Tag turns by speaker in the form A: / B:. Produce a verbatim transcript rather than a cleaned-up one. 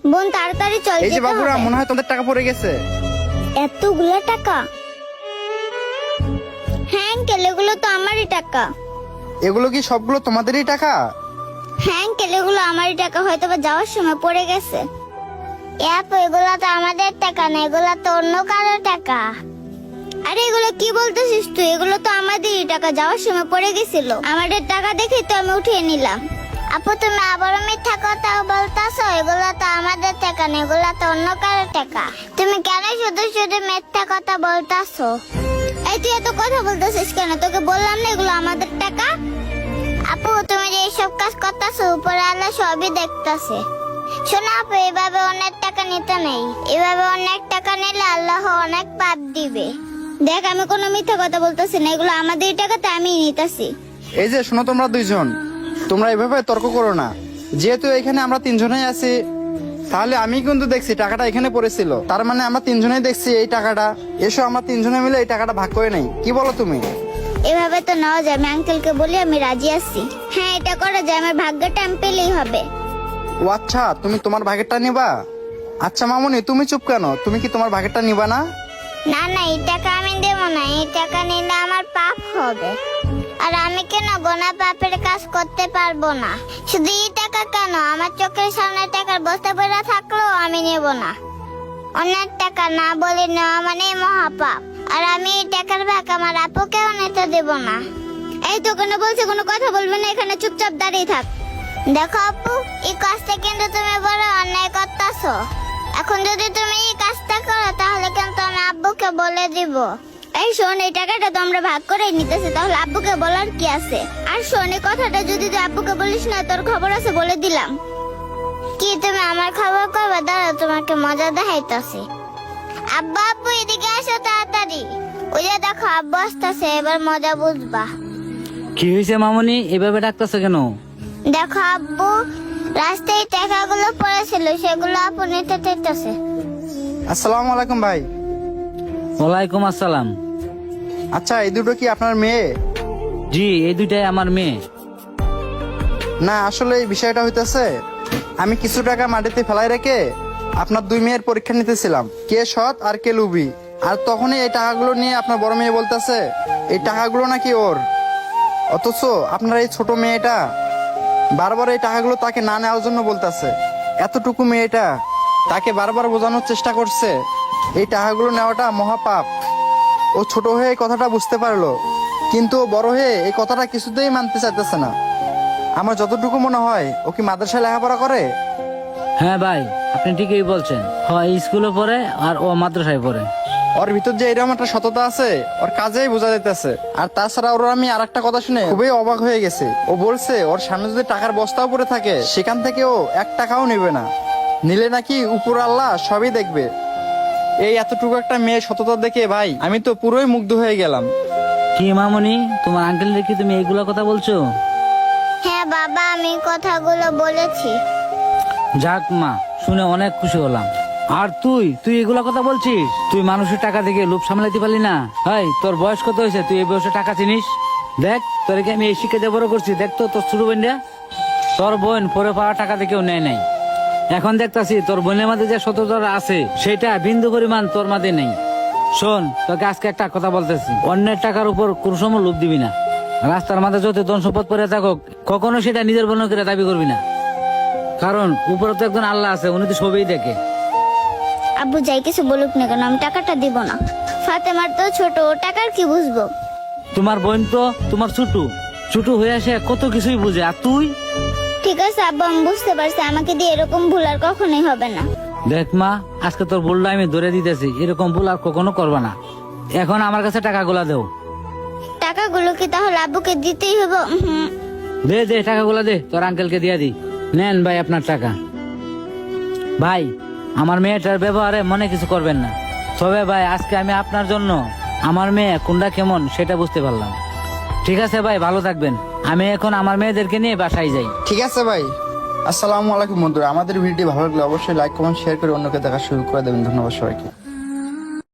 A: বোন তাড়াতাড়ি চল,
B: এই যে
A: যেতে
B: বাবুরা,
A: হবে।
B: মনে হয় তোমাদের টাকা পড়ে গেছে।
A: এতগুলো টাকা? হ্যাঁ আঙ্কেল, এগুলো তো আমারই টাকা।
B: এগুলো কি সবগুলো তোমাদেরই টাকা?
A: হ্যাঁ আঙ্কেল, এগুলো আমারই টাকা, হয়তো বা যাওয়ার সময় পড়ে গেছে। আপু, এগুলো তো আমাদের টাকা না, এগুলো তো অন্য কারোর টাকা। আরে এগুলো কি বলতেছিস তুই? এগুলো তো আমাদেরই টাকা, যাওয়ার সময় পড়ে গেছিল। আমাদের টাকা দেখে তো আমি উঠিয়ে নিলাম। আপু, তুমি আবারও মিথ্যা কথা বলতাছো। এগুলো তো আমাদের টাকা না, এগুলো তো অন্য কারোর টাকা। তুমি কেন শুধু শুধু মিথ্যা কথা বলতাছো? এই তুই এত কথা বলতেছিস কেন? তোকে বললাম না এগুলো আমাদের টাকা। আপু, তুমি যে এইসব কাজ করতেছো, উপরে আল্লাহ সবই দেখতাছে। শোনো আপু, এভাবে অনেক টাকা নিতে নেই। এভাবে অনেক টাকা নিলে আল্লাহ অনেক পাপ দিবে। দেখ, আমি কোনো মিথ্যা কথা বলতেছি না, এগুলো আমাদের টাকা, তো আমি নিতেছি।
B: এই যে শোনো, তোমরা দুইজন, তোমরা এভাবে তর্ক করো না। যেহেতু এখানে আমরা তিনজনেই আছি, তাহলে আমি কিন্তু দেখছি টাকাটা এখানে পড়েছিল, তার মানে আমরা তিনজনেই দেখছি এই টাকাটা। এসো আমরা তিনজনে মিলে এই টাকাটা ভাগ করে নেই, কি বলো তুমি?
A: এভাবে তো নেওয়া যায়। আমি আঙ্কেলকে বলি আমি রাজি আছি। হ্যাঁ, এটা করা যায়। আমার ভাগ্যটা আমি পেলেই হবে।
B: ও আচ্ছা, তুমি তোমার ভাগেরটা নিবা? আচ্ছা মামুনি, তুমি চুপ কেন? তুমি কি তোমার ভাগেরটা নিবা না?
A: না না, এই টাকা আমি দেবো না। এই টাকা নিলে আমার পাপ হবে। আর আমি কেন গোনা পাপের কাজ করতে পারবো না? শুধু এই টাকা কেন, আমার চোখের সামনে টাকার বস্তা পড়ে থাকলেও আমি নেব না। অনেক টাকা না বলে নেওয়া মানে মহাপাপ। আর আমি এই টাকার ভাগ আমার আপুকেও নিতে দেব না। এই তো কোনো বলছে, কোনো কথা বলবে না, এখানে চুপচাপ দাঁড়িয়ে থাক। দেখো আপু, এই কাজটা কিন্তু তুমি বড় অন্যায় করতেছো। এখন যদি তুমি এই কাজটা করো, তাহলে কিন্তু আমি আব্বুকে বলে দিব। এই শোন, এই টাকাটা তো আমরা ভাগ করে নিতেছি, তাহলে আব্বুকে বলার কি আছে? আর শোন, এই কথাটা যদি তুই আব্বুকে বলিস না, তোর খবর আছে বলে দিলাম। কি তুমি আমার খবর করবে? দাঁড়া, তোমাকে মজা দেখাইতেছি। আব্বা, আব্বু এদিকে আসো তাড়াতাড়ি। ওই যে দেখো আব্বু আসতেছে, এবার মজা বুঝবা।
C: কি হয়েছে মামনি, এভাবে ডাকতেছো কেন?
A: দেখো আব্বু, রাস্তায় টাকাগুলো পড়েছিল, সেগুলো আপু নিতে চাইতেছে।
B: আসসালামু আলাইকুম ভাই।
C: ওয়ালাইকুম আসসালাম।
B: আচ্ছা, এই দুটো কি আপনার মেয়ে?
C: জি, এই দুইটাই আমার মেয়ে।
B: না, আসলে এই বিষয়টা হইতেছে, আমি কিছু টাকা মাটিতে ফেলাই রেখে আপনার দুই মেয়ের পরীক্ষা নিতেছিলাম, কে সৎ আর কে লুবি। আর তখনই এই টাকাগুলো নিয়ে আপনার বড় মেয়ে বলতেছে এই টাকাগুলো নাকি ওর। অথচ আপনার এই ছোট মেয়েটা বারবার এই টাকাগুলো তাকে না নেওয়ার জন্য বলতেছে। এতটুকু মেয়েটা তাকে বারবার বোঝানোর চেষ্টা করছে এই টাকাগুলো নেওয়াটা মহাপাপ। ও ছোট হয়ে এই কথাটা বুঝতে পারলো, কিন্তু ও বড় হয়ে এই কথাটা কিছুতেই মানতে চাইতেছে না। আমার যতটুকু মনে হয় ও কি মাদ্রাসায় লেখাপড়া করে।
C: হ্যাঁ ভাই, আপনি ঠিকই বলছেন। হয় স্কুলে পড়ে আর ও মাদ্রাসায় পড়ে।
B: ওর ভিতর যে এরকম একটা সততা আছে, ওর কাজেই বোঝা যাইতেছে। আর তাছাড়া ওর আমি আর একটা কথা শুনে খুবই অবাক হয়ে গেছে। ও বলছে ওর সামনে যদি টাকার বস্তাও পড়ে থাকে, সেখান থেকে ও এক টাকাও নেবে না, নিলে নাকি উপর আল্লাহ সবই দেখবে। এই এতটুকু একটা মেয়ে সততা দেখে ভাই আমি তো পুরোই মুগ্ধ হয়ে গেলাম।
C: কি মামনি, তোমার আঙ্কেল কি তুমি এইগুলা কথা বলছো?
A: হ্যাঁ বাবা, আমি কথাগুলো বলেছি।
C: যাক মা, শুনে অনেক খুশি হলাম। আর তুই তুই এগুলা কথা বলছিস? তুই মানুষের টাকা থেকে লোভ সামলাইতে পারলি না? হাই, তোর বয়স কত হয়েছে? তুই এই বয়সে টাকা চিনিস? দেখ, তোরকে আমি এই শিক্ষা দিয়ে বড় করছি। দেখ তো তোর ছোট বোনটা, তোর বোন পরে পাওয়া টাকা থেকেও নেয় নাই। এখন দেখতাছি তোর বোনের মাঝে যে সততা আছে, সেটা বিন্দু পরিমাণ তোর মাঝে নেই। শোন, তোকে আজকে একটা কথা বলতেছি, অন্যের টাকার উপর কোন সময় লোভ দিবি না। রাস্তার মাঝে যত ধন সম্পদ পড়ে থাকুক, কখনো সেটা নিজের বোন করে দাবি করবি না। কারণ উপরে তো একজন আল্লাহ আছে, উনি তো সবই দেখে।
A: আব্বু যাই কিছু বলুক না কেন, আমি টাকাটা দিব না। ফাতেমার তো ছোট, ও টাকার কি বুঝবো?
C: তোমার বোন তো তোমার ছোট ছোট হয়ে আসে কত কিছুই বুঝে, আর তুই?
A: ঠিক আছে আব্বু, আমি বুঝতে পারছি। আমাকে দিয়ে এরকম ভুল আর কখনোই হবে না।
C: দেখ মা, আজকে তোর ভুলটা আমি ধরে দিতেছি, এরকম ভুল আর কখনো করবা না। এখন আমার কাছে টাকাগুলা দেও।
A: টাকাগুলো কি তাহলে আব্বুকে দিতেই হবে? হুম।
C: দে দে টাকাগুলা দে, তোর আঙ্কেলকে দিয়া দি। নেন ভাই আপনার টাকা। ভাই, আমার মেয়েটার ব্যবহারে মনে কিছু করবেন না। তবে ভাই, আজকে আমি আপনার জন্য আমার মেয়ে কোনটা কেমন সেটা বুঝতে পারলাম। ঠিক আছে ভাই, ভালো থাকবেন। আমি এখন আমার মেয়েদেরকে নিয়ে বাসায় যাই।
B: ঠিক আছে ভাই। আসসালামু আলাইকুম বন্ধুরা, আমাদের ভিডিওটি ভালো লাগলে অবশ্যই লাইক কমেন্ট শেয়ার করে অন্যকে দেখা শুরু করে দেবেন। ধন্যবাদ সবাইকে।